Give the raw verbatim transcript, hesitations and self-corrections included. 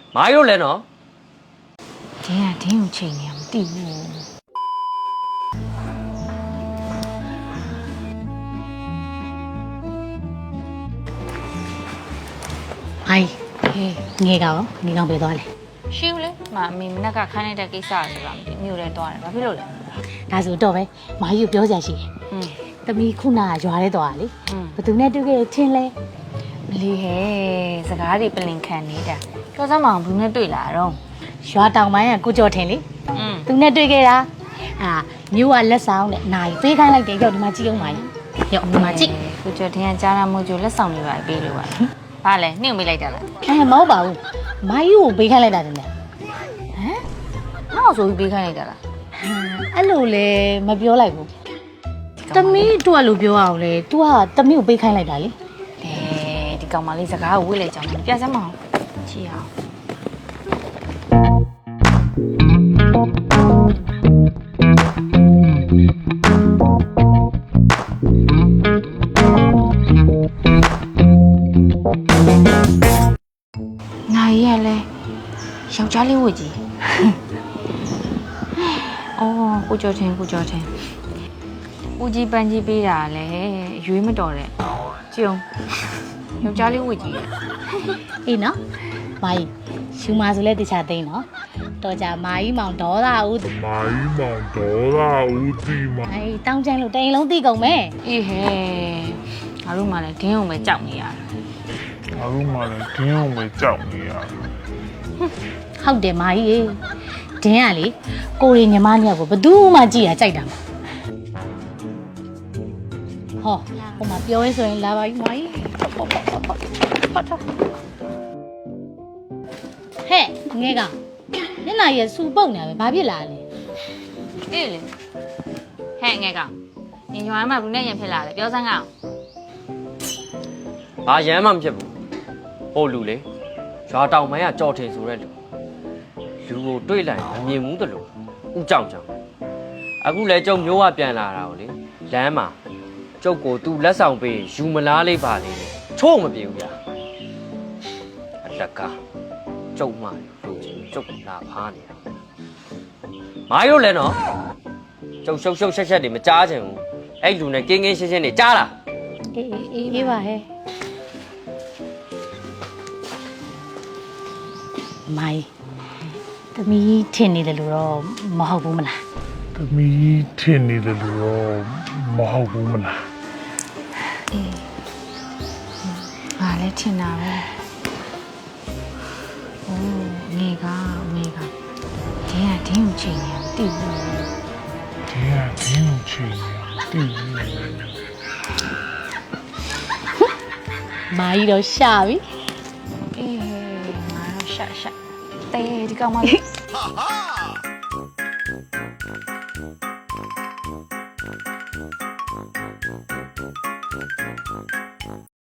မားရိုးလဲနော်ဒင်းကဒင်းကိုချိန်နေအောင်မသိဘူးအိုင်ငယ်ကောင်ငယ်ကောင်ပြေးသွားလေရှိဦးလေမအမေမနက်ကခိုင်းလိုက်တဲ့ကိစ္စဆိုတာမသိမြို့လဲသွားတယ်ဘာဖြစ်လို့လဲဒါဆိုတော့ပဲမာကြီးကိုပြောစရာရှိတယ်อืมတမီခုနကရွာထဲသွားလေဘသူနဲ့တွေ့ခဲ့ချင်းလဲမလီဟဲ့စကားတွေပလင်ခံနေတာပြောစမ်းမအောင်ဘူးနဲ့တွေ့လာတော့ရွာတောင်ပိုင်းကကိုကျော်ထင်လေอืมသူနဲ့တွေ့ခဲ့တာအာမြို့ကလက်ဆောင်နဲ့နိုင်ပေးခိုင်းလိုက်တယ်ရောက်ဒီမှာကြည့်အောင်ပါရောက်ဒီမှာကြည့်ကိုကျော်ထင်ကကြားရမို့ကျလက်ဆောင်တွေပါပေးလို့ပါဘာလဲနှိမ့်မိလိုက်တာလားအဲမဟုတ်ပါဘူးမာကြီးကိုပေးခိုင်းလိုက်တာတင်လေဟမ်နောက်ဆိုပြီးပေးခိုင်းလိုက်တာလားအဲ့လိုလေမပြောလိုက်ဘူးတမီးတို့ကလို့ပြောအောင်လေ तू ကတမီးကိုပေးခိုင်းလိုက်တာလေအဲဒီကောင်မလေးစကားကိုဝေ့လိုက်ကြအောင်ပြစမ်းမအောင်ချီအောင်နိုင်ရလဲယောက်ျားလေးဝတ်ကြီးအော်ကိုကျော်ထင်ကိုကျော်ထင်ဦးကြီးပန်းကြီးပေးတာလဲရွေးမတော်တဲ့ကြုံယောက်ျားလေးဝတ်ကြီးအေးနော်မာကြီးရှူမာဆိုလဲတခြားသိန်းနော်တော်ကြမာကြီးမောင်ဒေါသဦးမာကြီးမောင်ဒေါသဦးတီမအေးတောင်းချမ်းလို့တိန်လုံးသိကုန်မယ်အေးဟဲ့ငါတို့မှလည်းဒင်းအောင်ပဲကြောက်နေရတာငါတို့မှလည်းဒင်းအောင်ပဲကြောက်နေရတာဟုတ်တယ်မာကြီးဒင်းကလေကိုရီညီမနှစ်ယောက်ကိုဘယ်သူမှကြည့်ရကြိုက်တာမဟောဟိုမှာပြောရဲဆိုရင်လာပါပြီမာကြီးဟဲ့ငဲကောင်ညနာရဲ့စူပုတ်နေပဲဘာဖြစ်လာလဲအေးလေဟဲ့ငဲကောင်ညီညွားမှာဘူးနဲ့ရင်ဖြစ်လာတယ်ပြောစမ်းကောင်ဘာရမ်းမှမဖြစ်ဘူးဟိုလူလေရွာတောင်ပိုင်းကကြော်ထင်ဆိုတဲ့လူလူကိုတွေ့လိုက်မမြင်ဘူးတလို့ဥကြောင်ကြောင်အခုလဲကျုံမျိုးကပြန်လာတာကိုလေလမ်းမှာကျုပ်ကိုသူလက်ဆောင်ပေးယူမလားလေးပါလေချို့မပြေဘူးဗျာအတကားကျုံမှလူချင်းကျုပ်လာဖားနေတာမာရိုးလဲနော်ကျုပ်ရှုပ်ရှုပ်ရှက်ရှက်တွေမကြားချင်ဘူးအဲ့လူနဲ့ကင်းကင်းရှင်းရှင်းတွေကြားလားအေးအေးအေးပါဟဲ့မိုင်းသမီးထင်နေတယ်လို့တော့မဟုတ်ဘူးမလားသမီးထင်နေတယ်လို့တော့မဟုတ်ဘူးမလားအေးငါလည်းထင်တာပဲအိုးငေကငေကဒင်းကဒင်းကိုချိန်နေအောင်သိဘူးဒင်းကဒင်းကိုချိန်နေအောင်သိဘူးမာကြီးတော့ရှာပြီအေးငါတော့ရှာရှာတေးဒီကောင်မလေးဟာဟာ